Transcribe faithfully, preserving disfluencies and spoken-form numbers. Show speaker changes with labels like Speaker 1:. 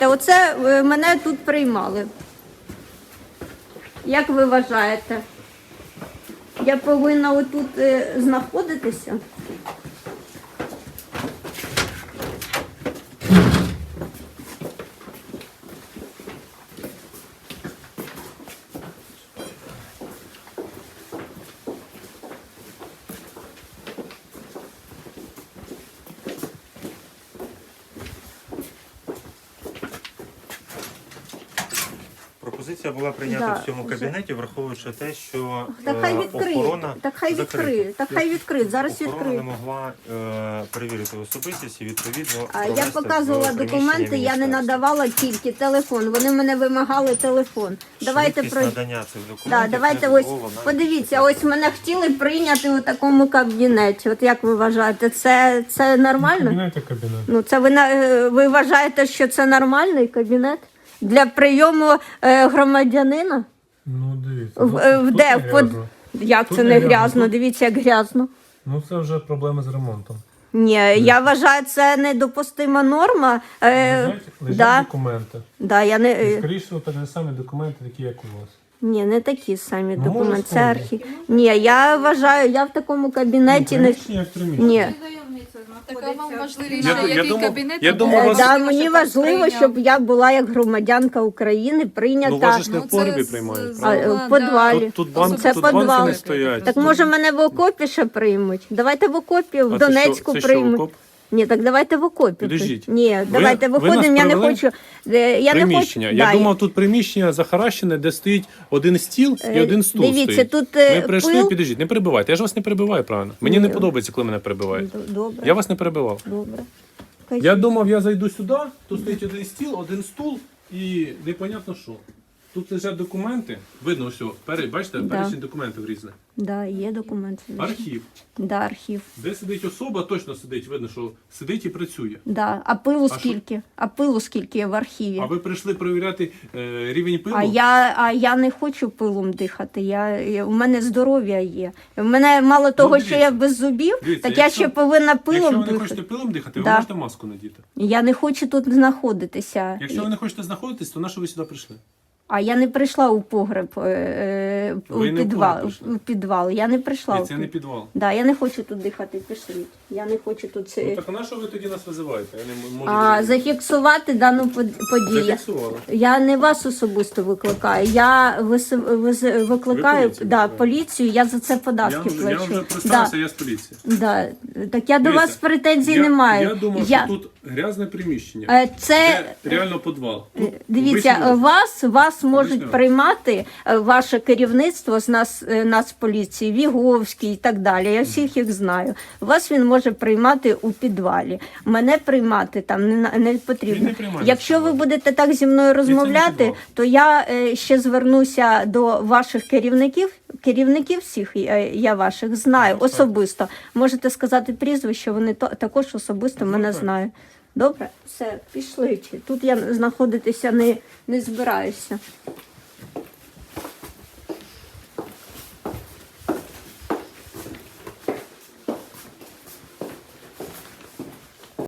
Speaker 1: Та оце е, мене тут приймали. Як ви вважаєте? Я повинна отут е, знаходитися?
Speaker 2: Пропозиція була прийнята
Speaker 1: Да,
Speaker 2: в цьому
Speaker 1: вже.
Speaker 2: кабінеті, враховуючи те, що
Speaker 1: Так хай
Speaker 2: е,
Speaker 1: відкриє,
Speaker 2: охорона
Speaker 1: так хай
Speaker 2: закрита.
Speaker 1: відкриє, так хай відкриє, зараз
Speaker 2: Охорона
Speaker 1: відкриє.
Speaker 2: не могла е, перевірити особистість і відповідно
Speaker 1: А я
Speaker 2: провести
Speaker 1: показувала
Speaker 2: в
Speaker 1: документи,
Speaker 2: приміщення
Speaker 1: я не
Speaker 2: міністерства.
Speaker 1: надавала тільки телефон. Вони мене вимагали телефон. Давайте
Speaker 2: Швидкість
Speaker 1: про
Speaker 2: надання цих
Speaker 1: да,
Speaker 2: документів
Speaker 1: давайте
Speaker 2: не
Speaker 1: ось
Speaker 2: дозволена.
Speaker 1: подивіться, ось мене хотіли прийняти у такому кабінеті. От як ви вважаєте, це, це нормально?
Speaker 3: Кабінет і кабінет.
Speaker 1: Ну це ви на- е, ви вважаєте, що це нормальний кабінет для прийому е, громадянина?
Speaker 3: Ну, дивіться.
Speaker 1: В,
Speaker 3: тут-
Speaker 1: е,
Speaker 3: тут
Speaker 1: де
Speaker 3: не
Speaker 1: в под...
Speaker 3: грязно.
Speaker 1: Як
Speaker 3: Тут
Speaker 1: це
Speaker 3: не
Speaker 1: не
Speaker 3: грязно,
Speaker 1: грязно?
Speaker 3: тут-
Speaker 1: Дивіться, як грязно.
Speaker 3: Ну, це вже проблеми з ремонтом.
Speaker 1: Ні, я вважаю, це недопустима норма. Е,
Speaker 3: Лежать, лежать
Speaker 1: да,
Speaker 3: документи.
Speaker 1: да, я не,
Speaker 3: І,
Speaker 1: е,
Speaker 3: скоріше, всього, такі самі документи, такі, як у вас.
Speaker 1: ні, не такі самі
Speaker 3: Ну,
Speaker 1: документи.
Speaker 3: може,
Speaker 1: Це
Speaker 3: схожі.
Speaker 1: архів. Ні, я вважаю, я в такому кабінеті не.
Speaker 3: Приміщення як приміщення.
Speaker 1: Ні.
Speaker 4: Така вам важливість,
Speaker 3: Я-
Speaker 4: на
Speaker 3: я
Speaker 4: який
Speaker 3: думав-
Speaker 4: кабінет
Speaker 3: я
Speaker 4: ви
Speaker 3: думав,
Speaker 1: Е,
Speaker 3: вас-
Speaker 1: Да,
Speaker 4: хочете,
Speaker 1: мені
Speaker 4: щоб
Speaker 1: важливо,
Speaker 4: прийняв.
Speaker 1: щоб я була як громадянка України прийнята.
Speaker 3: Ну, вас ж не в
Speaker 4: Ну, це
Speaker 3: погребі
Speaker 4: з-
Speaker 3: приймають,
Speaker 4: з-
Speaker 1: А,
Speaker 3: правда?
Speaker 1: в підвалі.
Speaker 3: Тут, тут, банк,
Speaker 1: Це
Speaker 3: тут банки
Speaker 1: підвал.
Speaker 3: не стоять.
Speaker 1: Так може мене в окопі ще приймуть? Давайте в окопі, в
Speaker 3: А це
Speaker 1: Донецьку
Speaker 3: що, це що,
Speaker 1: приймуть.
Speaker 3: окоп?
Speaker 1: Ні, так давайте в окопі.
Speaker 3: Підождіть.
Speaker 1: Ні, давайте
Speaker 3: ви
Speaker 1: виходимо,
Speaker 3: нас
Speaker 1: я не
Speaker 3: привели?
Speaker 1: хочу. е, Я
Speaker 3: Приміщення.
Speaker 1: Не хочу,
Speaker 3: Я
Speaker 1: да,
Speaker 3: думав, тут приміщення захаращене, де стоїть один стіл і
Speaker 1: Е,
Speaker 3: один стул
Speaker 1: дивіться,
Speaker 3: стоїть.
Speaker 1: тут, е,
Speaker 3: Ми прийшли,
Speaker 1: пил.
Speaker 3: підождіть, не перебивайте. Я ж вас не перебиваю, правильно? Мені
Speaker 1: Ні.
Speaker 3: не подобається, коли мене перебивають.
Speaker 1: Д- Добре,
Speaker 3: Я вас не перебивав.
Speaker 1: добре.
Speaker 3: Я думав, я зайду сюди, тут стоїть один стіл, один стул і непонятно що. Тут лежать документи, видно все, пере, бачите,
Speaker 1: Да.
Speaker 3: перечень документів різних.
Speaker 1: Да, є документи.
Speaker 3: Архів.
Speaker 1: Да, архів.
Speaker 3: Де сидить особа, точно сидить, видно, що сидить і працює.
Speaker 1: Да. А пилу
Speaker 3: що?
Speaker 1: скільки? А пилу скільки є в архіві?
Speaker 3: А ви прийшли перевіряти е, рівень пилу?
Speaker 1: А я, а я не хочу пилом дихати. Я, я- у мене здоров'я є. У мене мало того, що
Speaker 3: дивіться.
Speaker 1: я без зубів,
Speaker 3: Дивіться,
Speaker 1: так я
Speaker 3: якщо-
Speaker 1: ще повинна
Speaker 3: Якщо
Speaker 1: пилом
Speaker 3: ви не
Speaker 1: дихати.
Speaker 3: хочете пилом дихати,
Speaker 1: Да.
Speaker 3: ви можете маску надіти.
Speaker 1: Я не хочу тут знаходитися.
Speaker 3: Якщо ви не хочете знаходитись, то на що ви сюди прийшли?
Speaker 1: А я не прийшла у погреб, е, е, у
Speaker 3: Ви не в
Speaker 1: підвал.
Speaker 3: погреб прийшли?
Speaker 1: У підвал. Я не прийшла.
Speaker 3: І
Speaker 1: у
Speaker 3: це не
Speaker 1: під-
Speaker 3: підвал.
Speaker 1: Да, я не хочу тут дихати, пішліть. Я не хочу тут це.
Speaker 3: Ну так а на що ви тоді нас визиваєте? Я не м- можу
Speaker 1: А
Speaker 3: зрозуміти.
Speaker 1: зафіксувати дану под- подію.
Speaker 3: Зафіксували.
Speaker 1: Я не вас особисто викликаю. Я вис... вис- викликаю
Speaker 3: поліцію
Speaker 1: да,
Speaker 3: викликаєте?
Speaker 1: поліцію, я за це
Speaker 3: Я,
Speaker 1: податки
Speaker 3: вам- я
Speaker 1: плачу.
Speaker 3: вже
Speaker 1: Да,
Speaker 3: представився, я з поліції.
Speaker 1: да. Так я до
Speaker 3: Дивіться,
Speaker 1: вас претензій
Speaker 3: я,
Speaker 1: не маю.
Speaker 3: Я думав,
Speaker 1: Я-
Speaker 3: що тут грязне приміщення.
Speaker 1: Е, Це
Speaker 3: Де реально підвал. Тут
Speaker 1: дивіться,
Speaker 3: обичний офіс.
Speaker 1: вас вас можуть
Speaker 3: Обичний офіс.
Speaker 1: приймати е, ваше керівництво з нас, е, Нацполіції, Віговський і так далі. Я всіх їх знаю. Вас він може приймати у підвалі. Мене приймати там не, на- не
Speaker 3: Він
Speaker 1: потрібно.
Speaker 3: не приймає
Speaker 1: Якщо
Speaker 3: в
Speaker 1: ви
Speaker 3: підвалі.
Speaker 1: будете так зі мною розмовляти,
Speaker 3: підвал.
Speaker 1: то я е, ще звернуся до ваших керівників. Керівників всіх е, я ваших знаю
Speaker 3: Ну, так.
Speaker 1: особисто. Можете сказати прізвище, вони то, також особисто мене
Speaker 3: так.
Speaker 1: знають. Добре, все, пішли. Тут я знаходитися не, не збираюся.